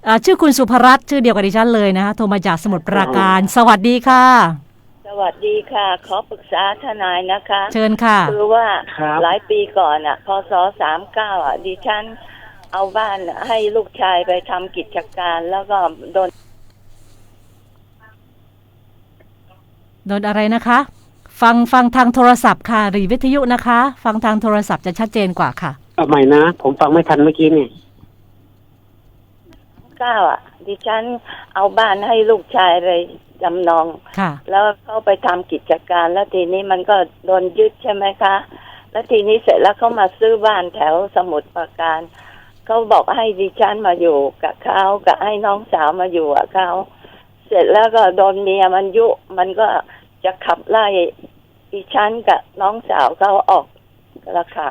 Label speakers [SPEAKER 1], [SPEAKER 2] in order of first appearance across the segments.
[SPEAKER 1] ชื่อคุณสุภรัตน์ชื่อเดียวกับดิฉันเลยนะคะโทรมาจากสมุทรปราการสวัสดีค่ะ
[SPEAKER 2] สวัสดีค่ะขอปรึกษาทนายนะคะ
[SPEAKER 1] เชิญค่ะ
[SPEAKER 2] คือว่าหลายปีก่อนพศ39ดิฉันเอาบ้านให้ลูกชายไปทำกิจการแล้วก็โดน
[SPEAKER 1] อะไรนะคะฟังทางโทรศัพท์ค่ะหรือวิทยุนะคะฟังทางโทรศัพท์จะชัดเจนกว่าค่ะ
[SPEAKER 3] เอาใหม่นะผมฟังไม่ทันเมื่อกี้นี่
[SPEAKER 2] ดิฉันเอาบ้านให้ลูกชายไปจำนองแล้วเขาไปทำกิจการแล้วทีนี้มันก็โดนยึดใช่ไหมคะแล้วทีนี้เสร็จแล้วเขามาซื้อบ้านแถวสมุทรปราการเขาบอกให้ดิฉันมาอยู่กับเขากับให้น้องสาวมาอยู่กับเขาเสร็จแล้วก็โดนเมียมันยุมันก็จะขับไล่ดิฉันกับน้องสาวเขาออกแล้วค่ะ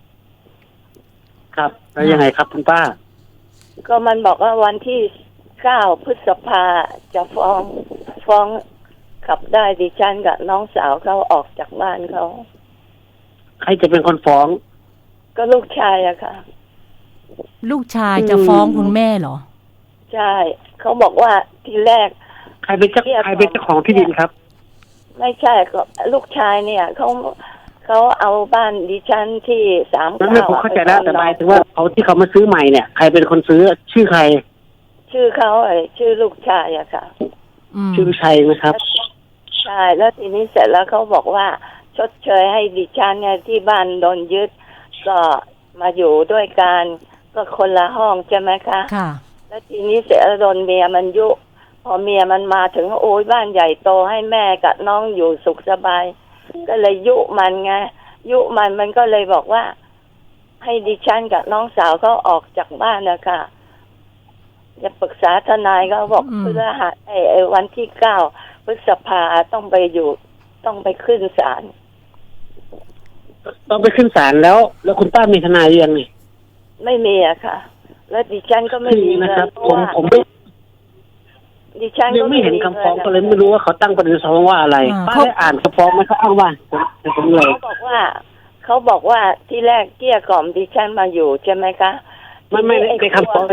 [SPEAKER 3] ครับแล้วยังไงครับคุณป้า
[SPEAKER 2] ก็มันบอกว่าวันที่9 พฤษภาจะฟ้องขับได้ดิฉันกับน้องสาวเขาออกจากบ้านเขา
[SPEAKER 3] ใครจะเป็นคนฟ้อง
[SPEAKER 2] ก็ลูกชายอะค่ะ
[SPEAKER 1] ลูกชายจะฟ้องคุณแม่เหรอ
[SPEAKER 2] ใช่เขาบอกว่าทีแรก
[SPEAKER 3] ใครเป็นเจ้าของที่ดินครับ
[SPEAKER 2] ไม่ใช่ก็ลูกชายเนี่ยเขาเอาบ้านดิฉันที่39
[SPEAKER 3] นั่นไม่ผมเข้าใจแล้วแต่หมายถึงว่าเขาที่เขามาซื้อใหม่เนี่ยใครเป็นคนซื้อชื่อใคร
[SPEAKER 2] ชื่อเขาชื่อลูกชายอะค่ะ
[SPEAKER 3] ชื่อชัยนะครับ
[SPEAKER 2] ใช่แล้วทีนี้เสร็จแล้วเขาบอกว่าชดเชยให้ดิฉันเนี่ยที่บ้านโดนยึดก็มาอยู่ด้วยกันก็คนละห้องใช่ไหมคะ
[SPEAKER 1] ค่ะ
[SPEAKER 2] แล้วทีนี้เสร็จแล้วโดนเมียมันยุพอเมียมันมาถึงโอ้ยบ้านใหญ่โตให้แม่กับน้องอยู่สุขสบายก็เลยยุมันไงยุมันก็เลยบอกว่าให้ดิฉันกับน้องสาวเขาออกจากบ้านนะคะจะปรึกษาทนายก็บอกเพื่อหาวันที่9 พฤษภาต้องไปขึ้นศาล
[SPEAKER 3] ต้องไปขึ้นศาลแล้วคุณป้ามีทนายยังไง
[SPEAKER 2] ไม่มีอะค่ะแล้วดิฉันก็ไม่มี
[SPEAKER 3] นะครับผม
[SPEAKER 2] ดิฉัน
[SPEAKER 3] ยังไม่เห็นคำฟ้องก็เลยไม่รู้ว่าเขาตั้งประเด็นฟ้องว่าอะไรป้าได้อ่านคำฟ้องไหมเขาอ้างว่าผมเลย
[SPEAKER 2] เขาบอกว่าที่แรกเกลี้ยกล่อมดิฉันมาอยู่ใช่ไหมคะ
[SPEAKER 3] ไม่ในคำฟ้อง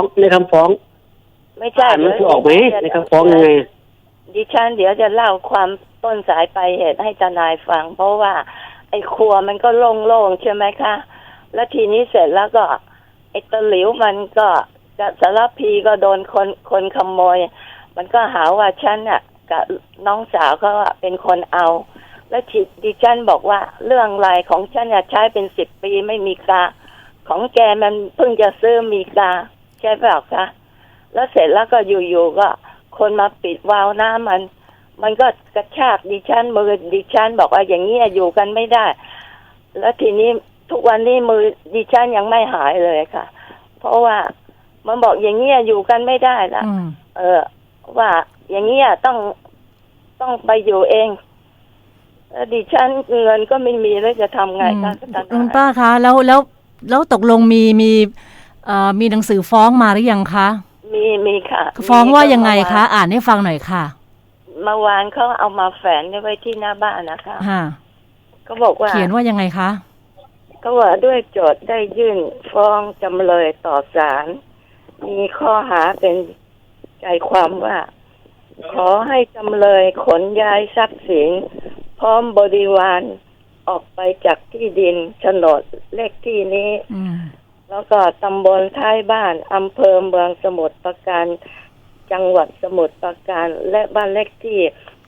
[SPEAKER 2] ไม่ใช่
[SPEAKER 3] มันคือออกไหมในคำฟ้องยังไง
[SPEAKER 2] ดิฉันเดี๋ยวจะเล่าความต้นสายปลายเหตุให้ทนายฟังเพราะว่าไอ้ครัวมันก็โล่งๆใช่ไหมคะแล้วทีนี้เสร็จแล้วก็ไอ้ตะหลิวมันก็สารพีก็โดนคนขโมยมันก็หาว่าฉันน่ะกับน้องสาวเขาเป็นคนเอาแล้วดิฉันบอกว่าเรื่องรายของฉันใช้เป็น10 ปีไม่มีกาของแกมันเพิ่งจะซื้อมีกาใช่เปล่าคะแล้วเสร็จแล้วก็อยู่ๆก็คนมาปิดวาล์วน้ำมันก็กระชากดิฉันมือดิฉันบอกว่าอย่างนี้อยู่กันไม่ได้แล้วทีนี้ทุกวันนี้มือดิฉันยังไม่หายเลยค่ะเพราะว่ามันบอกอย่างนี้อยู่กันไม่ได้ละว่าอย่างนี้ต้องไปอยู่เองดิฉันเงินก็ไม่มีแล้วจะทำไงคะ
[SPEAKER 1] คุณป้าคะแล้วตกลงมีหนังสือฟ้องมาหรือยังคะ
[SPEAKER 2] มีค่ะ
[SPEAKER 1] ฟ้องว่ายังไงคะอ่านให้ฟังหน่อยค่ะ
[SPEAKER 2] เมื่อวานเขาเอามาแฝงไว้ที่หน้าบ้านนะคะก็บอกว่า
[SPEAKER 1] เขียนว่ายังไงคะ
[SPEAKER 2] ก็ว่าด้วยโจทย์ได้ยื่นฟ้องจำเลยต่อศาลมีข้อหาเป็นใจความว่าขอให้จำเลยขนย้ายทรัพย์สินพร้อมบริวารออกไปจากที่ดินโฉนดเลขที่นี้แล้วก็ตำบลท้ายบ้านอำเภอเมืองสมุทรปราการจังหวัดสมุทรปราการและบ้านเลขที่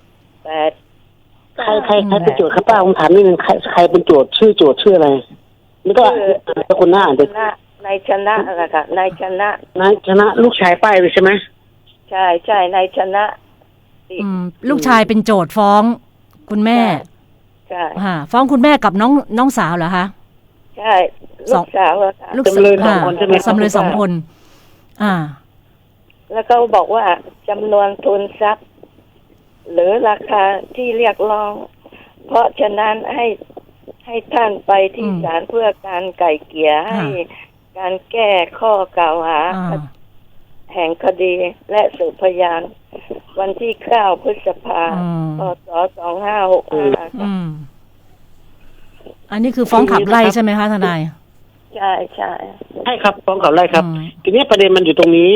[SPEAKER 2] 8
[SPEAKER 3] ใครเป็นโจทย์ครับป้าผมถามนิดนึงใครเป็นโจทย์ชื่ออะไรนี่ก็คนหน้าเด็ก
[SPEAKER 2] นายชนะอะไรค่ะนายช
[SPEAKER 3] นะลูกชายป้ายเลยใช่ไหม
[SPEAKER 2] ใช่นายชนะ
[SPEAKER 1] ลูกชายเป็นโจทย์ฟ้องคุณแม่
[SPEAKER 2] ใช่
[SPEAKER 1] ฟ้องคุณแม่กับน้องสาวเหรอคะ
[SPEAKER 2] ใช่ลูกสาวค่ะ
[SPEAKER 3] จำเลย2 คนใช่ไหม
[SPEAKER 1] จำเลย2 คน
[SPEAKER 2] แล้วก็บอกว่าจำนวนทุนทรัพย์หรือราคาที่เรียกร้องเพราะฉะนั้นให้ท่านไปที่ศาลเพื่อการไกล่เกลี่ยให้การแก้ข้อกล่าวหาแห่งคดีและสืบพยานวันที่9 พฤษภาคม พ.ศ. 2565
[SPEAKER 1] อันนี้คือฟ้องขับไล่ใช่ไหมคะทนาย
[SPEAKER 2] ใช่
[SPEAKER 3] ครับฟ้องขับไล่ครับทีนี้ประเด็นมันอยู่ตรงนี้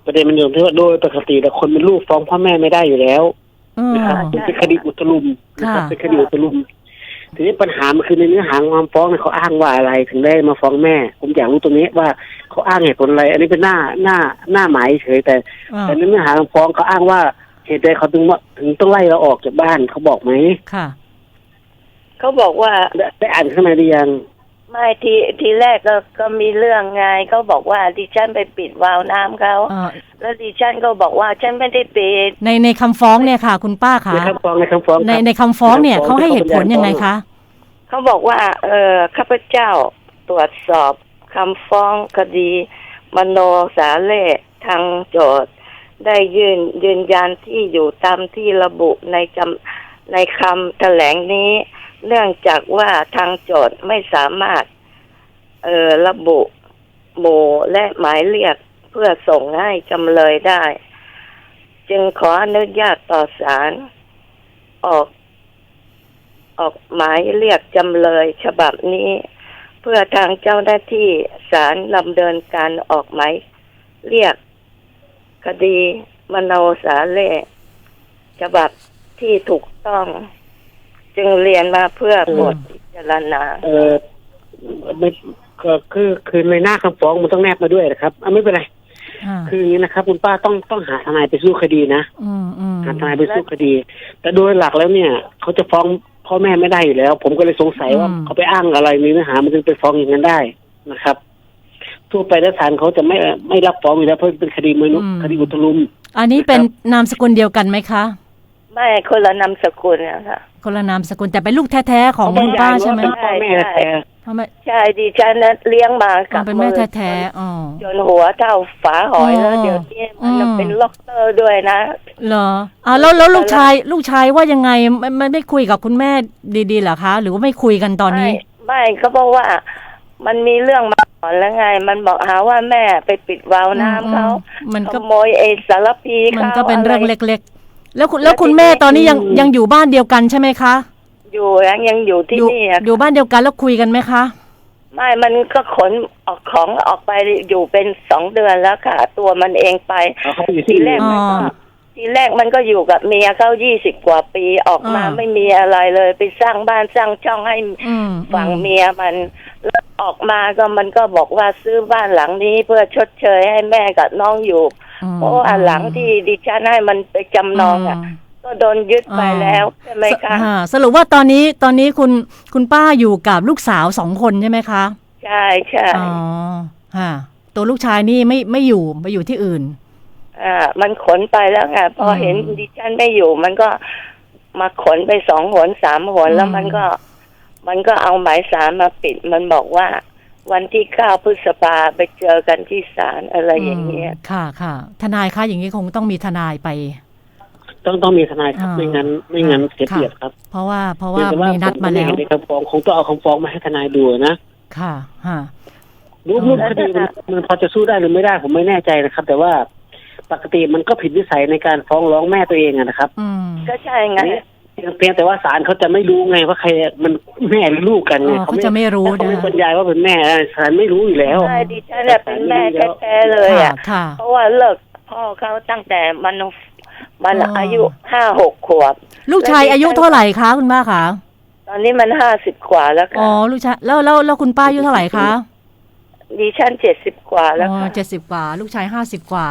[SPEAKER 3] ประเด็นมันอยู่ที่ว่าโดยปกติแล้วคนเป็นลูกฟ้องพ่อแม่ไม่ได้อยู่แล้ว
[SPEAKER 1] อืม
[SPEAKER 3] นะครับมันเป็นคดีอุตลุมนะครับ
[SPEAKER 1] ค่ะ
[SPEAKER 3] เป็นคดีอุตลุมทีนี้ปัญหามันคือในเนื้อหาความฟ้องเนี่ยเขาอ้างว่าอะไรถึงได้มาฟ้องแม่ผมอยากรู้ตรงนี้ว่าเขาอ้างเหตุผลอะไร อันนี้เป็นหน้าหมายเฉยแต่
[SPEAKER 1] อ่า
[SPEAKER 3] แต่ในเนื้อหาความฟ้องเขาอ้างว่าเหตุใดเขาถึงต้องไล่เราออกจากบ้านเขาบอกไหม
[SPEAKER 1] ค่ะ
[SPEAKER 2] เขาบอกว่า
[SPEAKER 3] ได้อ่านข้างในหรือยัง
[SPEAKER 2] ไม่ทีแรกก็มีเรื่องไงเขาบอกว่าดิฉันไปปิดวาล์วน้ำเขา แล้วดิฉันก็บอกว่าฉันไม่ได้ปิด
[SPEAKER 1] ในคำฟ้องเนี่ยค่ะ คุณป้าคะ
[SPEAKER 3] ในคำฟ้องในคำฟ้องครับ
[SPEAKER 1] ในคำฟ้องเนี่ยเขาให้เหตุผลยังไงคะ
[SPEAKER 2] เขาบอกว่าข้าพเจ้าตรวจสอบคำฟ้องคดีมโนสาเล่ทางโจทย์ได้ยืนยันที่อยู่ตามที่ระบุในคำแถลงนี้ เนื่องจากว่าทางโจทย์ไม่สามารถระบุหมู่และหมายเรียกเพื่อส่งให้จำเลยได้ จึงขออนุญาตต่อศาลออกหมายเรียกจำเลยฉบับนี้ เพื่อทางเจ้าหน้าที่ศาลดำเนินการออกหมายเรียกคดีมโนสาเล่ฉบับที่ถูกต้อง จึงเรียนมาเพื่อบทพิจารณา
[SPEAKER 3] ไม่ก็คือในหน้าคำฟ้องมันต้องแนบมาด้วยนะครับไม่เป็นไร คืออย่างนี้นะครับคุณป้าต้องหาทนายไปสู้คดีนะหาทนายไปสู้คดี แต่โดยหลักแล้วเนี่ยเขาจะฟ้องพ่อแม่ไม่ได้อยู่แล้ว ผมก็เลยสงสัยว่าเขาไปอ้างอะไรมีเนื้อหามันจึงไปฟ้องอย่างนั้นได้นะครับทั่วไปแล้วศาลเขาจะไม่รับฟ้องอยู่แล้วเพราะเป็นคดีมนุษย์คดีอุตลุม
[SPEAKER 1] อันนี้เป็นนามสกุลเดียวกันไหมคะ
[SPEAKER 2] ไม่คนละนามสกุลนะคะ
[SPEAKER 1] คนละนามสกุลแต่เป็นลูกแท้ๆของคุณป้าใช่ไหม
[SPEAKER 3] พ่อแม่แท้
[SPEAKER 1] พ่อแม่
[SPEAKER 2] ใช่ดิฉันนั้นเลี้ยงมากับ
[SPEAKER 1] เป็นแม่แท้ๆอ๋อ
[SPEAKER 2] จนหัวเท่าฝาหอยแล้วเดี๋ยวนี้มันเป็นล็อกเตอร์ด้วยนะ
[SPEAKER 1] เหรอแล้วลูกชายว่ายังไงไม่คุยกับคุณแม่ดีๆเหรอคะ หรือว่าไม่คุยกันตอนนี้
[SPEAKER 2] ไม่ก็เพราะว่ามันมีเรื่องมาก่อนแล้วไง มันบอกหาว่าแม่ไปปิดวาล์วน้ำเขา
[SPEAKER 1] มันก็
[SPEAKER 2] ขโมยสารพี
[SPEAKER 1] มัน
[SPEAKER 2] เขา
[SPEAKER 1] ก็เป็นเรื่อง
[SPEAKER 2] อะไร
[SPEAKER 1] เล็กๆแล้วคุณแม่ตอนนี้ยังอยู่บ้านเดียวกันใช่ไหมคะ
[SPEAKER 2] อยู่ยังอยู่ที่นี่อะ
[SPEAKER 1] อยู่บ้านเดียวกันแล้วคุยกันไหมคะ
[SPEAKER 2] ไม่มันก็ขนออกของออกไปอยู่เป็น2 เดือนแล้วค่ะ ตัวมันเองไป
[SPEAKER 3] เขาอยู่
[SPEAKER 2] ที
[SPEAKER 3] ที่
[SPEAKER 2] แรกมันก็ทีแรกมันก็อยู่กับเมียเขา20 กว่าปีออกมาไม่มีอะไรเลยไปสร้างบ้านสร้างช่องให้ฝั่งเมียมันแล้วออกมาก็มันก็บอกว่าซื้อบ้านหลังนี้เพื่อชดเชยให้แม่กับน้องอยู่เพราะว่าหลังที่ดิฉันให้มันไปจำนองอ่ะก็โดนยึดไปแล้วใช่ไหมคะ
[SPEAKER 1] สรุปว่าตอนนี้คุณป้าอยู่กับลูกสาว2 คนใช่ไหมคะ
[SPEAKER 2] ใช่
[SPEAKER 1] อ๋อตัวลูกชายนี่ไม่อยู่ไปอยู่ที่อื่น
[SPEAKER 2] มันขนไปแล้วไงพอเห็นดิฉันไม่อยู่มันก็มาขนไป2 หน 3 หนแล้วมันก็เอาหมายศาลมาปิดมันบอกว่าวันที่9 พฤษภาไปเจอกันที่ศาลอะไรอย่างเงี้ย
[SPEAKER 1] ค่ะทนายคะอย่างนี้คงต้องมีทนายไป
[SPEAKER 3] ต้องมีทนายครับไม่งั้นเสียเปรียบครับ
[SPEAKER 1] เพราะว่ามีนัดมาแล้ว
[SPEAKER 3] ในคำฟ้องคงต้องเอาคำฟ้องมาให้ทนายดูนะ
[SPEAKER 1] ค่ะ
[SPEAKER 3] รูปคดีมันพอจะสู้ได้หรือไม่ได้ผมไม่แน่ใจนะครับแต่ว่าปกติมันก็ผิดวิสัยในการฟ้องร้องแม่ตัวเองนะครับ
[SPEAKER 2] ก็ใช่ไง
[SPEAKER 3] เพียงแต่ว่าศาลเขาจะไม่รู้ไงว่าใครมันแม่หรือลูกกันไง
[SPEAKER 1] เขาจะไม่รู้
[SPEAKER 3] เขาไม่บรรยายว่าเป็นแม่ศาลไม่รู้อยู่แล้ว
[SPEAKER 2] ใช่ดิฉันเป็นแม่แท้ๆเลยอ่ะเพราะว่าเลิกพ่อเขาตั้งแต่มันอายุ5-6 ขวบ
[SPEAKER 1] ลูกชายอายุเท่าไหร่คะคุณป้าคะ
[SPEAKER 2] ตอนนี้มัน50 กว่าแล้วค่ะ
[SPEAKER 1] ลูกชายแล้วคุณป้าอายุเท่าไหร่คะ
[SPEAKER 2] ดิฉัน70 กว่าแล้วค่ะ
[SPEAKER 1] 70 กว่าลูกชาย50 กว่า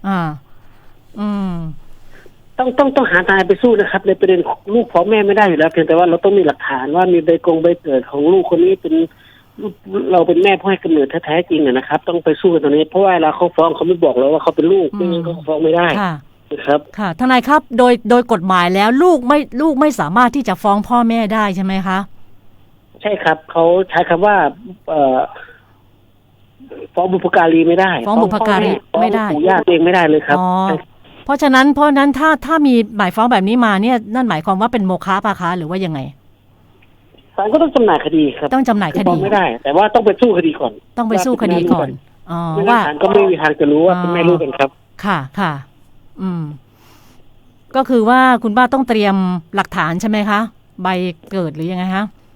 [SPEAKER 3] ต้องหาทนายไปสู้นะครับในประเด็นลูกพ่อแม่ไม่ได้อยู่แล้วเพียงแต่ว่าเราต้องมีหลักฐานว่ามีใบเกิดของลูกคนนี้เป็นเราเป็นแม่พ่อให้กำเนิดแท้ๆจริงนะครับต้องไปสู้กันตรงนี้เพราะว่าเราเขาฟ้องเขาไม่บอกเราว่าเขาเป็นลูกไม่งั้นเขาฟ้องไม่ได้ครับ
[SPEAKER 1] ค่ะทนายครับโดยกฎหมายแล้วลูกไม่สามารถที่จะฟ้องพ่อแม่ได้ใช่ไหมคะ
[SPEAKER 3] ใช่ครับเขาใช้คำว่าฟ้องบุพการีไม่ได้
[SPEAKER 1] ฟ้องบุพการีไม่ได้
[SPEAKER 3] ปู่ย่าเองไม่ได้เลยครับ
[SPEAKER 1] เพราะฉะนั้นถ้ามีหมายฟ้องแบบนี้มาเนี่ยนั่นหมายความว่าเป็นโมฆะป่ะคะหรือว่ายังไง
[SPEAKER 3] ศาลก็ต้องจำหน่ายคดีครับ
[SPEAKER 1] ต้องจำหน่ายคดี
[SPEAKER 3] ไม่ได้แต่ว่าต้องไปสู้คดีก่อน
[SPEAKER 1] ต้องไปสู้คดีก่อน
[SPEAKER 3] ว่าศาลก็ไม่มีทางจะรู้ว่าเป็นแม่ลูกกันครับ
[SPEAKER 1] ค่ะก็คือว่าคุณป้าต้องเตรียมหลักฐานใช่ไหมคะใบเกิดหรือยังไงคะ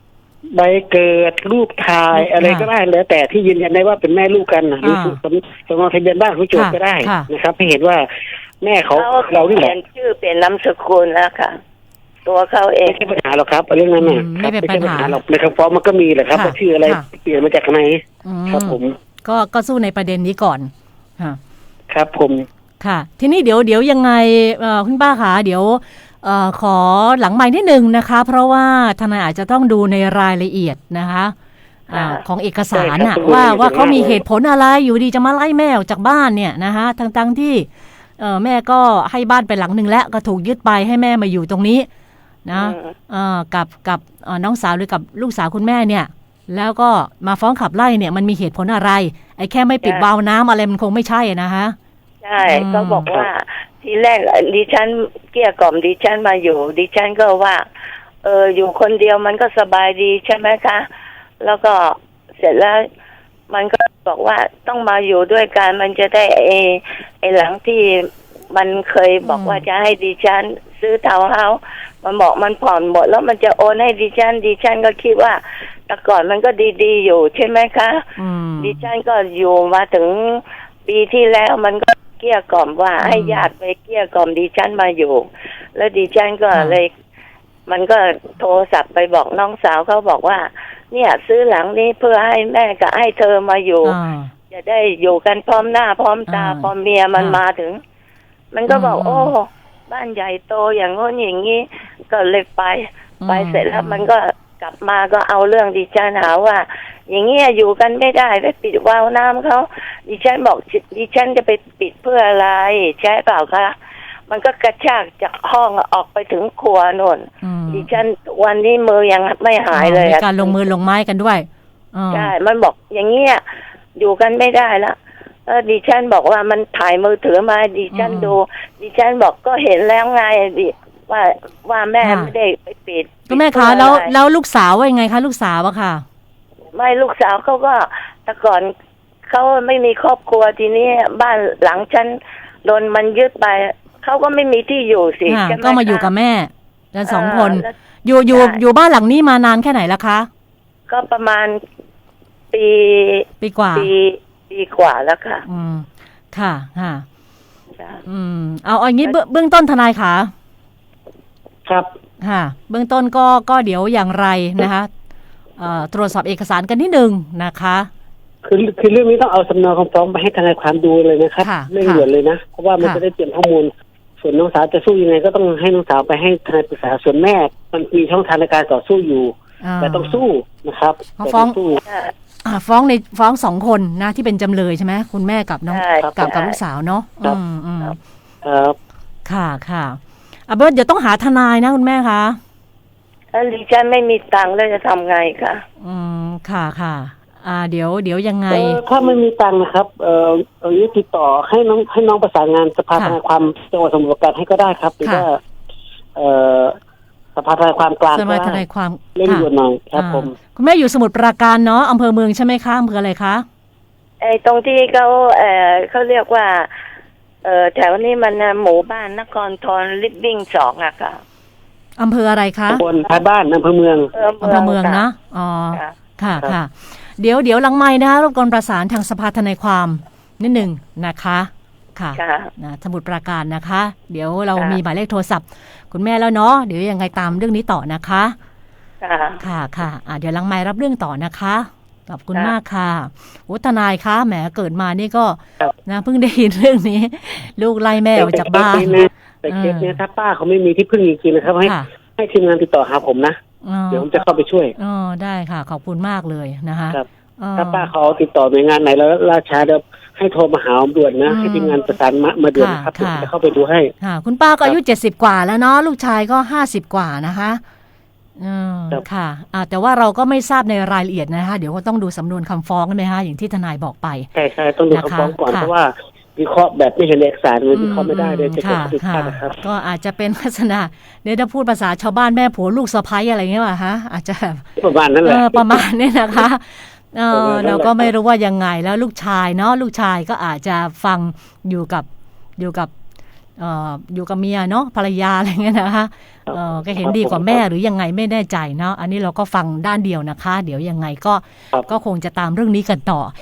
[SPEAKER 3] ใบเกิดรูปถ่ายอะไรก็ได้แล้วแต่ที่ยืนยันได้ว่าเป็นแม่ลูกกันหรือสำเนาทะเบียนบ้านของโจทย์ก็ได้นะครับให้เห็นว่าแม่เขาเรานี่แหละ
[SPEAKER 2] เปลี่ยนชื่อเปลี่ยนนามสกุลแล้วค่ะ ตัวเขาเอง
[SPEAKER 3] ไม่ใช่ปัญหาหรอกครับเรื่องนั้นน่ะ
[SPEAKER 1] ไม่เป็นปัญหา
[SPEAKER 3] หรอกในคำฟ้องมันก็มีแหละครับว่าชื่ออะไรเปลี่ยนมาจากไหนครับผม
[SPEAKER 1] ก็สู้ในประเด็นนี้ก่อน
[SPEAKER 3] ครับผม
[SPEAKER 1] ค่ะทีนี้เดี๋ยวยังไงคุณป้าคะเดี๋ยวขอหลังไมค์นิดนึงนะคะเพราะว่าทนายอาจจะต้องดูในรายละเอียดนะคะของเอกสารน่ะว่าเขามีเหตุผลอะไรอยู่ดีจะมาไล่แม่ออกจากบ้านเนี่ยนะคะทั้งที่แม่ก็ให้บ้านไปหลังนึงแล้วก็ถูกยึดไปให้แม่มาอยู่ตรงนี้นะกับน้องสาวหรือกับลูกสาวคุณแม่เนี่ยแล้วก็มาฟ้องขับไล่เนี่ยมันมีเหตุผลอะไรไอ้แค่ไม่ปิดวาล์วน้ำอะไรมันคงไม่ใช่นะคะ
[SPEAKER 2] ใช่ก็บอกว่าทีแรกดิฉันเกลี้ยกล่อมดิฉันมาอยู่ดิฉันก็ว่าอยู่คนเดียวมันก็สบายดีใช่ไหมคะแล้วก็เสร็จแล้วมันก็บอกว่าต้องมาอยู่ด้วยกันมันจะได้ไอ้หลังที่มันเคยบอกว่าจะให้ดิฉันซื้อทาวน์เฮาส์มันบอกมันผ่อนหมดแล้วมันจะโอนให้ดิฉันก็คิดว่าแต่ก่อนมันก็ดีๆอยู่ใช่ไหมคะดิฉันก็อยู่มาถึงปีที่แล้วมันก็เกลี้ยกล่อมว่าให้ญาติไปเกลี้ยกล่อมดิฉันมาอยู่แล้วดิฉันก็เลยมันก็โทรศัพท์ไปบอกน้องสาวเขาบอกว่าเนี่ยซื้อหลังนี้เพื่อให้แม่กับให้เธอมาอยู่จะได้อยู่กันพร้อมหน้าพร้อมตาพร้อมเมียมันมาถึงมันก็บอกโอ้บ้านใหญ่โตอย่างโน้นอย่างนี้ก็เลยไปเสร็จแล้วมันก็กลับมาก็เอาเรื่องดิฉันหาว่าอย่างเงี้ยอยู่กันไม่ได้ไปปิดวาล์วน้ำเขาดิฉันบอกดิฉันจะไปปิดเพื่ออะไรใช่เปล่าคะมันก็กระชากจากห้องออกไปถึงครัวโน่นดิฉันวันนี้มือยังไม่หายเลย
[SPEAKER 1] มีการลงมือลงไม้กันด้วย
[SPEAKER 2] ใช่มันบอกอย่างเงี้ยอยู่กันไม่ได้ละดิฉันบอกว่ามันถ่ายมือถือมาดิฉันดูดิฉันบอกก็เห็นแล้วไงดิว่าแม่ไม่ได้ไปปิด
[SPEAKER 1] ก็แม่คะแล้วลูกสาวว่ายังไงคะลูกสาวอะค่ะ
[SPEAKER 2] ไม่ลูกสาวเขาก็แต่ก่อนเขาไม่มีครอบครัวทีนี้บ้านหลังฉันโดนมันยึดไปเขาก็ไม่มีที่อยู่สิ
[SPEAKER 1] ก็มาอยู่กับแม่กัน2 คนอยู่บ้านหลังนี้มานานแค่ไหนแล้วคะ
[SPEAKER 2] ก็ประมาณปี
[SPEAKER 1] กว่า
[SPEAKER 2] ปีกว่าแล้วค่ะ
[SPEAKER 1] ค่ะเอาอย่างนี้เบื้องต้นทนายค่ะ
[SPEAKER 3] ครับ
[SPEAKER 1] ค่ะเบื้องต้นก็เดี๋ยวอย่างไรนะคะตรวจสอบเอกสารกันนิดนึงนะคะ
[SPEAKER 3] คือเรื่องนี้ต้องเอาสำเนาคำฟ้องไปให้ทนายความดูเลยนะครับเร่งด่วนเลยนะเพราะว่ามันจะได้เตรียมข้อมูลส่วนน้องสาวจะสู้ยังไงก็ต้องให้น้องสาวไปให้ทนายปรึกษาส่วนแม่มันมีช่องทางในการต่อสู้อยู่แต่ต้องสู้นะครับ
[SPEAKER 1] ฟ้อง2 คนนะที่เป็นจำเลยใช่ไหมคุณแม่กับน้องกับลูกสาวเนาะ
[SPEAKER 3] ครับ
[SPEAKER 1] ค่ะเดี๋ยวต้องหาทนายนะคุณแม่คะ
[SPEAKER 2] ดิฉันไม่มีตังค์แล้วจะทำไงคะ
[SPEAKER 1] ค่ะเดี๋ยวยังไง
[SPEAKER 3] ถ้าไม่มีตังค์นะครับติดต่อให้น้องประสานงานสภาทนายความจังหวัดสมุทรปราการให้ก็ได้ครับหรือว่าสภาทนายความกลาง
[SPEAKER 1] สภาทนายความ
[SPEAKER 3] เล่นด่วนหน่อยครับผม
[SPEAKER 1] คุณแม่อยู่สมุทรปราการเนาะอำเภอเมืองใช่ไหมคะอำเภออะไรคะ
[SPEAKER 2] ตรงที่เขาเรียกว่าแถวนี้มันหมู่บ้านนครทรลิฟวิ่ง2อะค่ะ
[SPEAKER 1] อำเภออะไรคะ
[SPEAKER 3] บนท้ายบ้านอำเภอเมือง
[SPEAKER 1] นะค่ะเดี๋ยวหลังไมค์นะคะรบกวนประสานทางสภาทนายความนิดนึงนะคะค่ะสมุทรปราการนะคะเดี๋ยวเรามีหมายเลขโทรศัพท์คุณแม่แล้วเนาะเดี๋ยวยังไงตามเรื่องนี้ต่อนะคะค่ะเดี๋ยวหลังไมค์รับเรื่องต่อนะคะขอบคุณมากค่ะทนายคะแหมเกิดมานี่ก็นะเพิ่งได้ยินเรื่องนี้ลูกไล่แม่ออกจากบ้าน
[SPEAKER 3] แต่เคสนี้ถ้าป้าเขาไม่มีที่พึ่งจริงๆนะครับให้ทีมงานติดต่อหาผมนะเดี๋ยวผมจะเข้าไปช่วย
[SPEAKER 1] ได้ค่ะขอบคุณมากเลยนะคะ
[SPEAKER 3] ถ้าป้าเขาติดต่อหน่วยงานไหนแล้วราชาเดี๋ยวให้โทรมาหาด่วนนะให้ทีมงานประสานมาด่วนนะครับผมจะเข้าไปดูให้
[SPEAKER 1] คุณป้าก็อายุ70 กว่าแล้วเนาะลูกชายก็50 กว่านะคะค่ะแต่ว่าเราก็ไม่ทราบในรายละเอียดนะคะเดี๋ยวก็ต้องดูสำนวนคำฟ้องนะคะอย่างที่ทนายบอกไป
[SPEAKER 3] ใช่ต้องดูคำฟ้องก่อนเพราะว่าวิเคราะห์แบบไม่เห็นเอกสารวิเคราะห์ไม่ได้เลยจะเกิดผิดพลาดนะครับ
[SPEAKER 1] ก็อาจจะเป็นลักษณะถ้าพูดภาษาชาวบ้านแม่ผัวลูกสะใภ้อะไรเงี้ยป่ะฮะอาจจะ
[SPEAKER 3] ประมาณนั้นแหละ
[SPEAKER 1] ประมาณนี้นะคะเราก็ไม่รู้ว่ายังไงแล้วลูกชายเนาะลูกชายก็อาจจะฟังอยู่กับเมียเนาะภรรยาอะไรเงี้ยนะคะก็เห็นดีกว่าแม่หรือยังไงไม่แน่ใจเนาะอันนี้เราก็ฟังด้านเดียวนะคะเดี๋ยวยังไงก็คงจะตามเรื่องนี้กันต่อ